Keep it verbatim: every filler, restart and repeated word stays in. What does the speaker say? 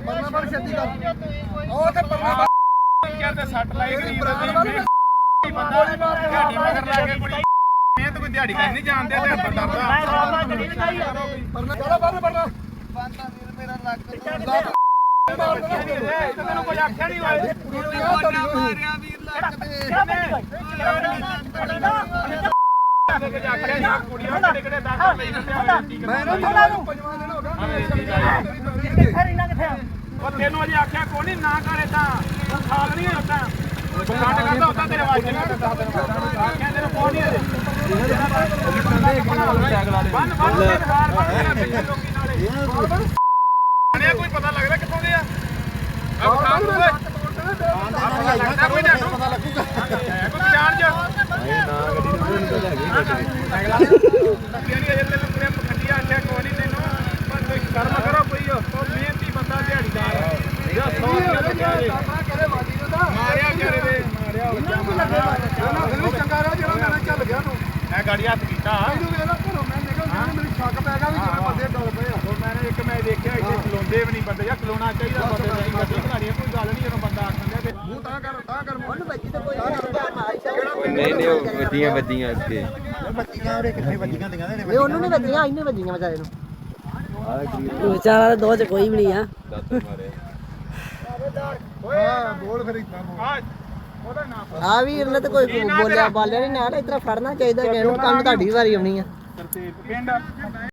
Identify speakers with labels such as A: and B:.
A: ਪਰਨਾ ਬੜ ਛੇਤੀ ਕਰ ਉਹ ਤੇ ਪਰਨਾ
B: ਕਰਦੇ ਸੱਟ ਲਾਈ ਗਰੀਬ ਦੀ ਬੰਦਾ ਦਿਹਾੜੀ ਮਗਰ ਲਾ ਕੇ ਕੁੜੀ ਮਿਹਨਤ ਕੋਈ ਦਿਹਾੜੀ ਕਰ ਨਹੀਂ ਜਾਣਦੇ ਤੇ ਬੰਦਾ
A: ਪਰਨਾ ਚੜਾ ਬੰਨ ਪਰਨਾ
C: ਬੰਦਾ ਵੀਰ ਮੇਰਾ ਲੱਕ
B: ਤੈਨੂੰ ਕੋਈ ਆਖਿਆ ਨਹੀਂ ਹੋਏ
C: ਮਾਰਿਆ ਵੀਰ ਲੱਕ ਤੇ
B: ਕੁੜੀਆਂ ਕਿਹੜੇ ਕਿਹੜੇ ਦਾਖਲ ਲਈ ਦਿੱਤੇ
A: ਮੈਂ ਨਾ ਪੰਜਵਾਂ ਦਿਨ ਹੋ ਗਿਆ
B: ਉਹ ਤੈਨੂੰ ਅਜੇ ਆਖਿਆ ਕੋਈ ਨਹੀਂ ਨਾ ਕਰ ਏਦਾਂ ਤੂੰ ਖਾਲ ਨਹੀਂ ਹੁੰਦਾ ਬੁਖਾਟ ਕਰਦਾ ਹੁੰਦਾ ਤੇਰੇ ਵਾਜੇ ਨਾਲ ਦੱਸ ਦਿਨ ਆਖਿਆ ਤੈਨੂੰ ਕੋਈ ਨਹੀਂ ਅਜੇ ਬੰਨ ਬੰਨ ਦੇ ਬਾਹਰ ਬੰਨ ਤੇਰਾ ਲੋਕੀ ਨਾਲੇ ਆਣਿਆ ਕੋਈ ਪਤਾ ਲੱਗਦਾ ਕਿੱਥੋਂ ਦੇ ਆ ਆ ਬਖਾਨ ਨੂੰ ਓਏ ਪਤਾ ਲੱਗਦਾ ਕੋਈ ਨਾ ਪਤਾ ਲੱਗੂਗਾ ਕੋਈ ਜਾਣ ਜਾ ਨਹੀਂ ਨਾ ਗੱਡੀ ਨੂੰ ਲੈ ਗਈ ਗੱਡੀ ਅਜੇ ਤੈਨੂੰ ਪੂਰੇ ਪਖੰਡੀਆ ਆਖਿਆ ਕੋਈ ਨਹੀਂ ਤੈਨੂੰ ਪਰ ਕੋਈ ਕਰਮ ਕਰੋ ਕੋਈ ਉਹ ਮਿਹਨਤੀ ਬੰਦਾ ਦਿਹਾੜੀਦਾਰ ਜਿਹੜਾ ਸੌ
A: ਕਰੇ ਵਾਦੀ ਨੂੰ ਤਾਂ
B: ਮਾਰਿਆ ਕਰੇ ਦੇ ਮਾਰਿਆ
A: ਫਿਰ ਵੀ ਚੰਗਾ ਰਿਹਾ ਜਿਹੜਾ ਮੈਂ ਚੱਲ ਗਿਆ ਤੂੰ
B: ਮੈਂ ਗਾੜੀ ਹੱਥ ਕੀਤਾ
A: ਮੈਨੂੰ ਵੇਲਾ ਘਰੋਂ ਮੈਂ ਨਿਕਲ ਗਿਆ ਮੈਨੂੰ ਸ਼ੱਕ ਪੈ ਗਿਆ ਵੀ ਕਿਵੇਂ ਬੰਦੇ ਡੁੱਲ ਪਏ ਆ
B: ਉਹ ਮੈਨੇ ਇੱਕ ਮੈਂ ਦੇਖਿਆ ਇੱਥੇ ਖਲੋਂਦੇ ਵੀ ਨਹੀਂ ਬੰਦੇ ਜਾਂ ਖਲੋਣਾ ਚਾਹੀਦਾ ਬੰਦੇ ਨਹੀਂ ਗੱਡੀ ਖਲਾਣੀ ਕੋਈ ਗੱਲ ਨਹੀਂ ਜਦੋਂ ਬੰਦਾ ਆਖਣ ਦੇ
A: ਮੂੰਹ ਤਾਂ ਕਰ ਤਾਂ ਕਰ
C: ਉਹਨੂੰ ਬੱਜੀ ਤੇ ਕੋਈ ਨਹੀਂ
D: ਨਹੀਂ ਨਹੀਂ ਉਹ ਵੱਜੀਆਂ ਵੱਜੀਆਂ ਅੱਗੇ
A: ਬੱਚੀਆਂ ਉਹਦੇ ਕਿੱਥੇ ਬੱਚੀਆਂ ਦੀਆਂ ਨੇ
C: ਇਹ ਉਹਨੂੰ ਨਹੀਂ ਵੱਜੀਆਂ ਇਹਨੂੰ ਵੱਜੀਆਂ ਵਿਚਾਰੇ ਨੂੰ
E: ਵਿਚਾਰਾ ਦੋ ਚ ਕੋਈ ਵੀ ਨਹੀਂ ਆ
D: ਦਾਤਰ ਮਾਰੇ
A: ਹਾਂ ਬੋਲ ਫਿਰ ਇਦਾਂ
B: ਆ ਉਹਦਾ ਨਾਮ
C: ਆ ਵੀਰ ਨੇ ਤੇ ਕੋਈ ਬੋਲਿਆ ਬਾਲਿਆ ਨਹੀਂ ਨਾਲ ਇਤਰਾ ਫੜਨਾ ਚਾਹੀਦਾ ਕਿ ਇਹਨੂੰ ਕੰਮ ਤੁਹਾਡੀ ਵਾਰੀ ਆਉਣੀ ਆ
B: ਤਰਤੀਬ ਪਿੰਡ